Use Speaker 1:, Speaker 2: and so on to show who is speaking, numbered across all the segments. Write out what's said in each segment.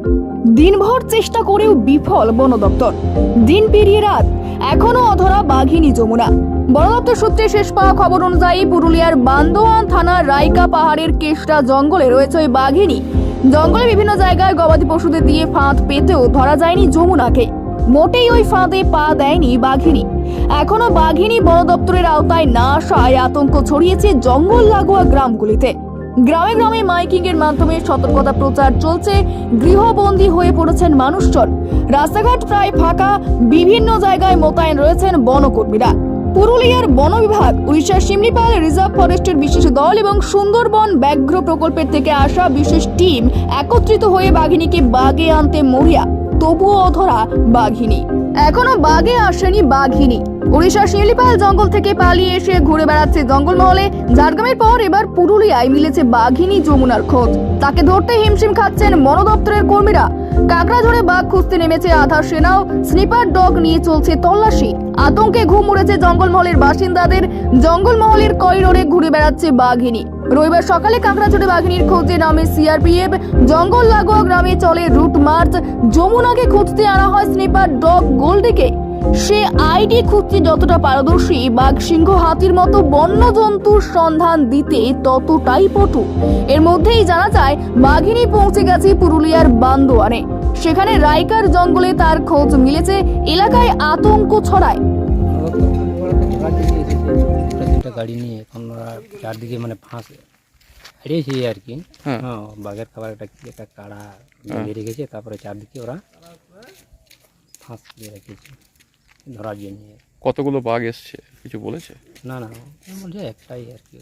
Speaker 1: দিনভর চেষ্টা করেও বিফল বন দপ্তর। দিন পেরিয়ে রাত, এখনো অধরা বাঘিনী যমুনা। বন দপ্তর সূত্রে শেষ পাওয়া খবর অনুযায়ী পুরুলিয়ার বান্দোয়ান থানার রাইকা পাহাড়ের কেষ্টা জঙ্গলে রয়েছে ওই বাঘিনী। জঙ্গলে বিভিন্ন জায়গায় গবাদি পশুদের দিয়ে ফাঁদ পেতেও ধরা যায়নি যমুনাকে। মোটেই ওই ফাঁদে পা দেয়নি বাঘিনী। এখনো বাঘিনী বন দপ্তরের আওতায় না আসায় আতঙ্ক ছড়িয়েছে জঙ্গল লাগোয়া গ্রামগুলিতে। গ্রামে গ্রামে মাইকিং এর মাধ্যমে সতর্কতা প্রচার চলছে। গৃহবন্দী হয়ে পড়েছেন মানুষজন। রাস্তাঘাট প্রায় ফাঁকা, বিভিন্ন জায়গায় মোতায়েন রয়েছেন বনকর্মীরা। পুরুলিয়ার বন বিভাগ, উড়িষ্যার শিমলিপাল রিজার্ভ ফরেস্টের বিশেষ দল এবং সুন্দরবন ব্যাঘ্র প্রকল্পের থেকে আসা বিশেষ টিম একত্রিত হয়ে বাঘিনীকে বাগে আনতে মরিয়া। তবুও অধরা বাঘিনী। এখনো বাগে আসেনি বাঘিনী। উড়িষ্যার শিমলিপাল জঙ্গল থেকে পালিয়ে এসে ঘুরে বেড়াচ্ছে জঙ্গলমহলে। ঝাড়গ্রামের পর এবার পুরুলিয়ায় মিলেছে বাঘিনী যমুনার খোঁজ। তাকে ধরতে হিমশিম খাচ্ছেন বন দপ্তরের কর্মীরা। কাকড়াঝোড়ে বাঘ খুঁজতে নেমেছে আধা সেনাও। স্নিপার ডগ নিয়ে চলছে তল্লাশি। আতঙ্কে ঘুম উড়েছে জঙ্গলমহলের বাসিন্দাদের। জঙ্গলমহলের করিডোরে ঘুরে বেড়াচ্ছে বাঘিনী। রবিবার সকালে কাকড়াঝোড়ে বাঘিনীর খোঁজে নামে সিআরপিএফ। জঙ্গল লাগোয়া গ্রামে চলে রুট মার্চ। যমুনাকে খুঁজতে আনা হয় স্নিপার ডগ গোল্ডিকে। সে আইডি খুঁজতে যতটা পারদর্শী, বাঘ সিংহ হাতির মতো বন্য জন্তুর সন্ধান দিতে ততটাই পটু। এর মধ্যেই জানা যায় বাঘিনী পৌঁছে গেছে পুরুলিয়ার বান্দোয়ানে। সেখানে রাইকার জঙ্গলে তার খোঁজ মিলেছে। এলাকায় আতঙ্ক ছড়ায়।
Speaker 2: গাড়ি নিয়ে এখন ওরা চারদিকে মানে ফাঁস হারিয়েছে আর কি। হ্যাঁ, বাঘের খাবার একটা কাড়া দিয়ে রেখেছে, তারপরে চারদিকে ওরা ফাঁস দিয়ে রেখেছে ধরার জন্য।
Speaker 3: কতগুলো বাঘ এসছে কিছু বলেছে?
Speaker 2: না না, বলছে একটাই আর কি।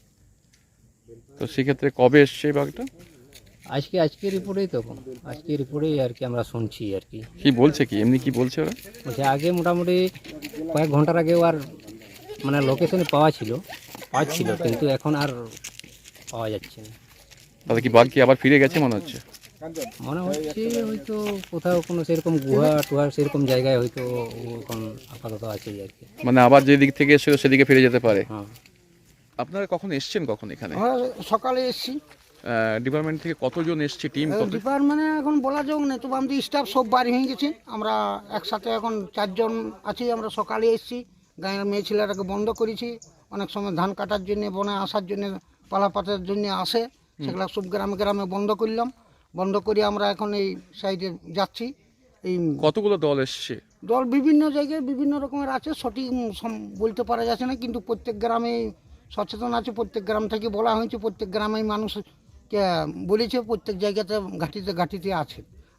Speaker 3: তো সেক্ষেত্রে কবে এসছে এই বাঘটা?
Speaker 2: আজকে রিপোর্টেই তখন আজকে রিপোর্টেই আর কি আমরা শুনছি আর কি।
Speaker 3: কি বলছে, কি এমনি কি বলছে ওরা?
Speaker 2: বলছে আগে মোটামুটি কয়েক ঘন্টার আগে আর মানে লোকেশনে পাচ্ছিল, কিন্তু এখন আর পাওয়া যাচ্ছে না।
Speaker 3: তাহলে কি বাঘ কি আবার ফিরে গেছে মনে হচ্ছে?
Speaker 2: মনে হচ্ছে হয়তো কোথাও কোনো সেরকম গুহা টুহা সেরকম জায়গায় হয়তো এখন আপাতত আছে আর কি।
Speaker 3: মানে আবার যে দিক থেকে এসেছিল সেদিকে ফিরে যেতে পারে।
Speaker 2: হ্যাঁ।
Speaker 3: আপনারা কখন এসছেন এখানে?
Speaker 4: সকালে এসছি।
Speaker 3: ডিপার্টমেন্ট থেকে কতজন এসছে, টিম কত?
Speaker 4: ডিপার্টমেন্টে এখন বলা যাক না, তবু আমাদের স্টাফ সব বাড়ি হয়ে গেছে। আমরা একসাথে এখন 4 জন আছি। আমরা সকালে এসছি, গাঁয়ের মেয়ে ছেলেটাকে বন্ধ করেছি। অনেক সময় ধান কাটার জন্য, বনে আসার জন্য, পালা পাতার জন্য আসে, সেগুলো সব গ্রামে গ্রামে বন্ধ করলাম। বন্ধ করে আমরা এখন এই সাইডে যাচ্ছি। এই
Speaker 3: কতগুলো দল এসছে?
Speaker 4: দল বিভিন্ন জায়গায় বিভিন্ন রকমের আছে, সঠিক বলতে পারা যাচ্ছে না, কিন্তু প্রত্যেক গ্রামে সচেতন আছে। প্রত্যেক গ্রাম থেকে বলা হয়েছে, প্রত্যেক গ্রামেই মানুষকে বলেছে, প্রত্যেক জায়গাতে ঘাটিতে আছে।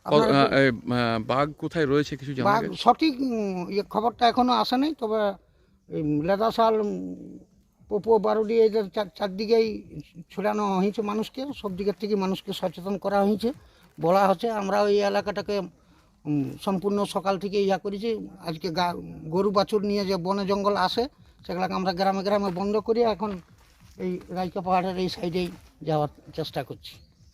Speaker 3: বাঘ কোথায় রয়েছে কিছু জানা
Speaker 4: বাঘ
Speaker 3: গেছে?
Speaker 4: সঠিক খবরটা এখনো আসে নাই, তবে লেদাশাল, পোপো, বারুডি এদের চারদিকেই ছড়ানো হয়েছে মানুষকে। সব দিকের থেকে মানুষকে সচেতন করা হয়েছে, বলা হচ্ছে। আমরা ওই এলাকাটাকে সম্পূর্ণ সকাল থেকে করেছি। আজকে গরু বাছুর নিয়ে যে বনে জঙ্গল আসে, সেগুলোকে আমরা গ্রামে গ্রামে বন্ধ করি। এখন এই রাইকা পাহাড়ের এই সাইডেই যাওয়ার চেষ্টা করছি।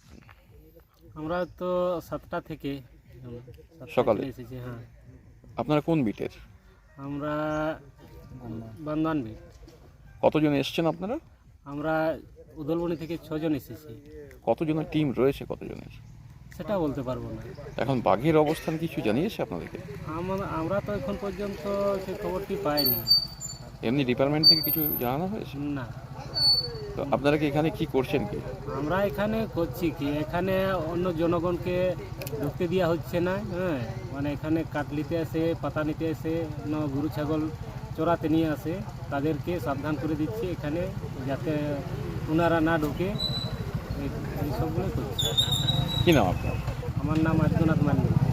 Speaker 2: আমরা তো 7টা থেকে
Speaker 3: সকালে
Speaker 2: এসেছি। হ্যাঁ।
Speaker 3: আপনারা কোন বিটের?
Speaker 2: আমরা বান্দোয়ান বিট।
Speaker 3: কতজন এসছেন আপনারা?
Speaker 2: আমরা উদলবনি থেকে 6 জন এসেছি।
Speaker 3: কতজনের টিম রয়েছে, কতজনের
Speaker 2: সেটা বলতে পারবো না।
Speaker 3: এখন বাঘের অবস্থান কিছু জানিয়েছে আপনাদেরকে?
Speaker 2: আমরা তো এখন পর্যন্ত সেই খবরটি পাইনি।
Speaker 3: এমনি ডিপার্টমেন্ট থেকে কিছু জানানো হয়েছে
Speaker 2: না।
Speaker 3: তো আপনারা কি এখানে কি করছেন? কি
Speaker 2: আমরা এখানে করছি কি, এখানে অন্য জনগণকে ঢুকতে দেওয়া হচ্ছে না। হ্যাঁ, মানে এখানে কাঠ নিতে আসে, পাতা নিতে আসে, গরু ছাগল চড়াতে নিয়ে আসে, তাদেরকে সাবধান করে দিচ্ছি এখানে, যাতে ওনারা না ঢুকে। এই সবগুলোই করছি।
Speaker 3: কি নাম আপনার?
Speaker 2: আমার নাম আদিত্যনাথ মান্ডি।